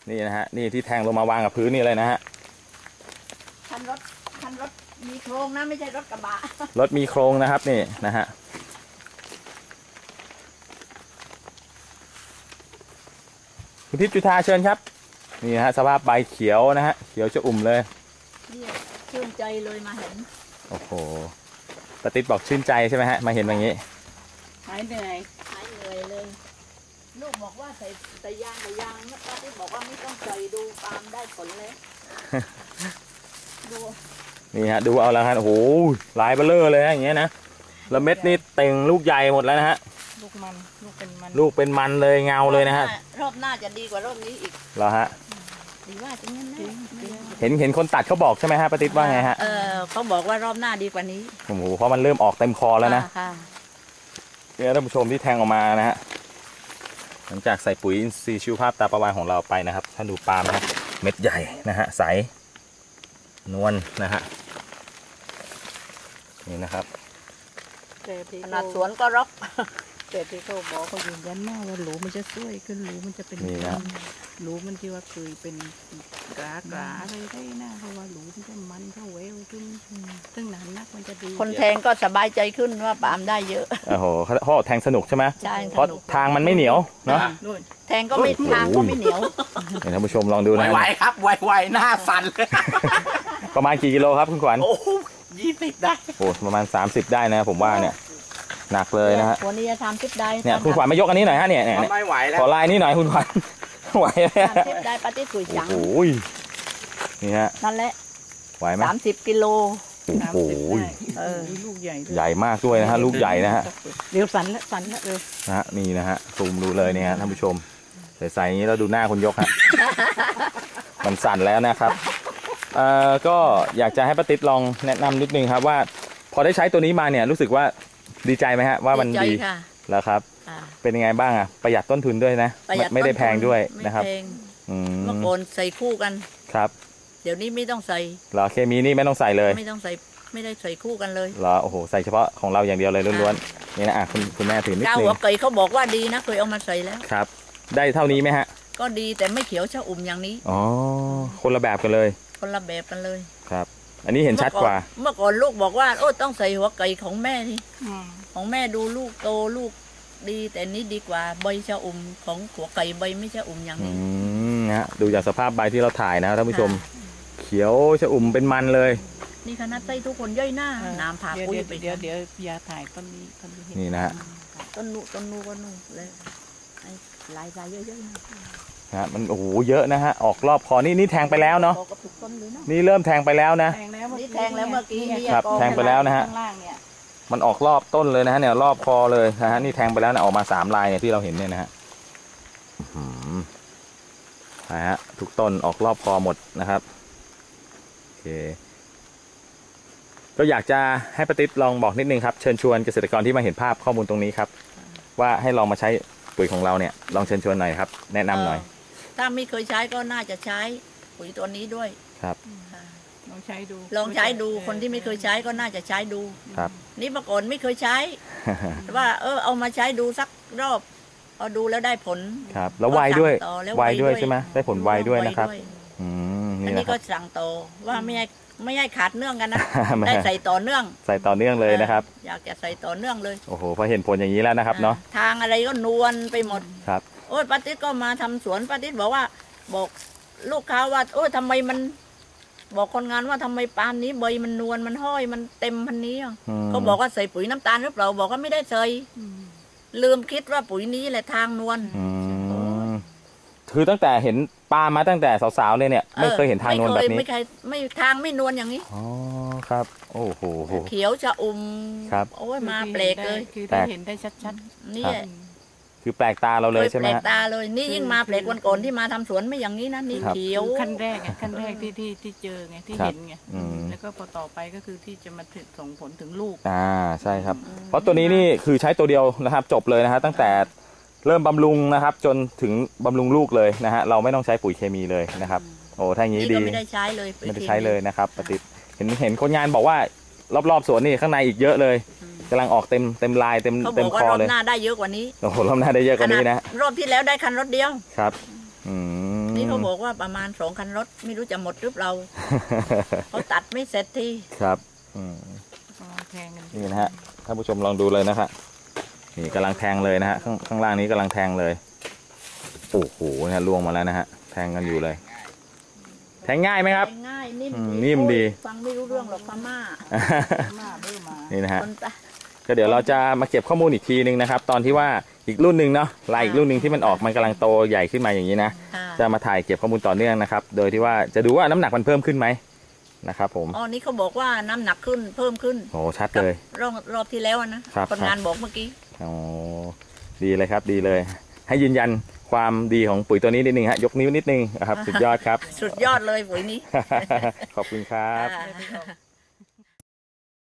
นี่นะฮะนี่ที่แทงลงมาวางกับพื้นนี่เลยนะฮะคันรถมีโครงนะไม่ใช่รถกระบะรถมีโครงนะครับนี่นะฮะคุณทิพย์จุฑาเชิญครับนี่นะฮะสภาพใบเขียวนะฮะเขียวจะอุ่มเลยนี่ชื่นใจเลยมาเห็นโอ้โหป้าติ๊ดบอกชื่นใจใช่ไหมฮะมาเห็นแบบนี้หายเหนื่อยเลยลูกบอกว่าใส่ยางนะป้าติ๊ดบอกว่าไม่ต้องใส่ดูปาล์มได้ผลเลยดูนี่ฮะดูเอาแล้วฮะโอ้โหลายเบลเลอร์เลยฮะอย่างเงี้ยนะแล้วเม็ดนี่เต่งลูกใหญ่หมดแล้วนะฮะลูกเป็นมันเลยเงาเลยนะฮะรอบหน้าจะดีกว่ารอบนี้อีกเหรอฮะดีว่าจะงั้นนะเห็นคนตัดเขาบอกใช่ไหมฮะป้าติ๊ดว่าไงฮะเขาบอกว่ารอบหน้าดีกว่านี้โอ้โหเพราะมันเริ่มออกเต็มคอแล้วนะเนี่ยท่านผู้ชมที่แทงออกมานะฮะหลังจากใส่ปุ๋ยอินทรีย์ชีวภาพตาประวานของเราไปนะครับท่านดูปาล์มนะเม็ดใหญ่นะฮะใสนวลนะฮะนี่นะครับขนาดสวนก็รกแต่ที่เขาบอกเขายืนยันว่าหลูมันจะช่วยขึ้นหลูมันจะเป็นหลูมันที่ว่าเคยเป็นกราอะไรได้นะเพราะว่าหลูมันจะมันเข้าเวลขึ้นซึ่งหนานนักมันจะดีคนแทงก็สบายใจขึ้นว่าปาล์มได้เยอะโอ้โหเขาแทงสนุกใช่ไหมใช่เพราะทางมันไม่เหนียวเนาะแทงก็ไม่ทางก็ไม่เหนียวท่านผู้ชมลองดูนะไวครับไวหน้าสั่นเลยประมาณกี่กิโลครับคุณขวัญโอ้20ได้โอ้ประมาณ30ได้นะผมว่าเนี่ยหนักเลยนะฮะวันนี้จะทำทิปได้เนี่ยคุณขวัญมายกอันนี้หน่อยฮะเนี่ยไม่ไหวแล้วขอลายนี้หน่อยคุณขวัญไหวไหมทิปได้ปฏิกุยจังโอ้ยนี่ฮะนั่นแหละไหวไหม 30 กิโลโอ้โหลูกใหญ่ใหญ่มากด้วยนะฮะลูกใหญ่นะฮะเดี๋ยวสั่นแล้วเลยนะฮะนี่นะฮะซูมดูเลยเนี่ยท่านผู้ชมใส่อย่างนี้แล้วดูหน้าคุณยกฮะมันสั่นแล้วนะครับก็อยากจะให้ป้าติ๊ดลองแนะนำนิดนึงครับว่าพอได้ใช้ตัวนี้มาเนี่ยรู้สึกว่าดีใจไหมฮะว่ามันดีแล้วครับเป็นยังไงบ้างอ่ะประหยัดต้นทุนด้วยนะไม่ได้แพงด้วยนะครับเมื่อก่อนใส่คู่กันครับเดี๋ยวนี้ไม่ต้องใส่เหรอเคมีนี่ไม่ต้องใส่เลยไม่ต้องใส่ไม่ได้ใส่คู่กันเลยเหรอโอ้โหใส่เฉพาะของเราอย่างเดียวเลยล้วนๆนี่นะคุณแม่ถือนิดนึงเจ้าหัวไก่เขาบอกว่าดีนะเคยเอามาใส่แล้วครับได้เท่านี้ไหมฮะก็ดีแต่ไม่เขียวชะอุ่มอย่างนี้อ๋อคนละแบบกันเลยคนละแบบกันเลยครับอันนี้เห็นชัดกว่าเมื่อก่อนลูกบอกว่าโอ้ต้องใส่หัวไก่ของแม่ที่ของแม่ดูลูกโตลูกดีแต่นี้ดีกว่าใบชะอุ่มของหัวไก่ใบไม่ชะอุ่มอย่างนี้นะดูจากสภาพใบที่เราถ่ายนะท่านผู้ชมเขียวชะอุ่มเป็นมันเลยนี่คณะไต้ทุกคนย่อยหน้าน้ำผ่าปุ้ยไปเดี๋ยวยาถ่ายต้นนี้นี่นะฮะต้นนูก็นู่เลยลายเยอะๆนะมันโอ้โหเยอะนะฮะออกรอบคอนี่แทงไปแล้วเนาะนี่เริ่มแทงไปแล้วนะนี่แทงแล้วเมื่อกี้ครับแทงไปแล้วนะฮะมันออกรอบต้นเลยนะฮะเนี่ยรอบคอเลยนะฮะนี่แทงไปแล้วนะออกมา3 ลายเนี่ยที่เราเห็นเนี่ยนะฮะนะฮะทุกต้นออกรอบคอหมดนะครับโอเคก็อยากจะให้ป้าติ๊ดลองบอกนิดนึงครับเชิญชวนเกษตรกรที่มาเห็นภาพข้อมูลตรงนี้ครับว่าให้ลองมาใช้ปุ๋ยของเราเนี่ยลองเชิญชวนหน่อยครับแนะนำหน่อยถ้าไม่เคยใช้ก็น่าจะใช้ปุ๋ยตัวนี้ด้วยครับลองใช้ดูคนที่ไม่เคยใช้ก็น่าจะใช้ดูครับนี่เมื่อก่อนไม่เคยใช้ว่าเอามาใช้ดูสักรอบเอาดูแล้วได้ผลครับแล้วไวด้วยใช่ไหมได้ผลไวด้วยนะครับอันนี้ก็สั่งต่อว่าไม่ให้ขาดเนื่องกันนะได้ใส่ต่อเนื่องเลยนะครับอยากจะใส่ต่อเนื่องเลยโอ้โหพอเห็นผลอย่างนี้แล้วนะครับเนาะทางอะไรก็นวลไปหมดครับโอ้ยป้าติ๊ดก็มาทำสวนป้าติ๊ดบอกว่าบอกลูกค้าว่าโอ้ยทำไมมันบอกคนงานว่าทำไมปาล์มนี้ใบมันนวลมันห้อยมันเต็มพันนี้เขาบอกว่าใส่ปุ๋ยน้ำตาลหรือเปล่าบอกว่าไม่ได้ใส่ลืมคิดว่าปุ๋ยนี้แหละทางนวลคือตั้งแต่เห็นปาล์มมาตั้งแต่สาวๆเลยเนี่ยไม่เคยเห็นทางนวลแบบนี้ไม่ทางไม่นวลอย่างนี้อ๋อครับโอ้โหเขียวจะครับโอ้ยมาแปลกเลยคือได้เห็นได้ชัดๆนี่คือแปลกตาเราเลยใช่ไหมแปลกตาเลยนี่ยิ่งมาแปลกวันก่อนที่มาทำสวนไม่อย่างนี้นะนี่เขียวขั้นแรกที่เจอไงที่เห็นไงแล้วก็พอต่อไปก็คือที่จะมาส่งผลถึงลูกใช่ครับเพราะตัวนี้นี่คือใช้ตัวเดียวนะครับจบเลยนะฮะตั้งแต่เริ่มบำรุงนะครับจนถึงบำรุงลูกเลยนะฮะเราไม่ต้องใช้ปุ๋ยเคมีเลยนะครับโอ้ถ้าอย่างนี้ดีไม่ได้ใช้เลยนะครับปฏิเห็นคนงานบอกว่ารอบๆสวนนี่ข้างในอีกเยอะเลยกำลังออกเต็มลายเต็มคอเลยรอบหน้าได้เยอะกว่านี้โอ้โหรอบหน้าได้เยอะกว่านี้นะรอบที่แล้วได้คันรถเดียวครับนี่เขาบอกว่าประมาณ2 คันรถไม่รู้จะหมดหรือเปล่าเขาตัดไม่เสร็จทีครับแทงกันนี่นะฮะท่านผู้ชมลองดูเลยนะครับนี่กำลังแทงเลยนะฮะข้างล่างนี้กำลังแทงเลยโอ้โหเนี่ยล่วงมาแล้วนะฮะแทงกันอยู่เลย แทงง่ายไหมครับง่ายนิ่มนิ่มดีฟังไม่รู้เรื่องหรอกพม่านี่นะฮะคนตะก็เดี๋ยวเราจะมาเก็บข้อมูลอีกทีนึงนะครับ ตอนที่ว่าอีกรุ่นหนึ่งเนาะลายอีกรุ่นหนึ่งที่มันออกมันกำลังโตใหญ่ขึ้นมาอย่างนี้นะค่ะจะมาถ่ายเก็บข้อมูลต่อเนื่องนะครับ โดยที่ว่าจะดูว่าน้ำหนักมันเพิ่มขึ้นไหมนะครับผมอ๋อนี่เขาบอกว่าน้ำหนักขึ้นเพิ่มขึ้นโอ้ชัดเลยรอบที่แล้วนะครับ คนงานบอกเมื่อกี้อ๋อดีเลยครับดีเลย ให้ยืนยันความดีของปุ๋ยตัวนี้นิดนึงฮะยกนิ้วนิดนึงนะครับสุดยอดครับสุดยอดเลยปุ๋ยนี้ขอบคุณครับค่ะ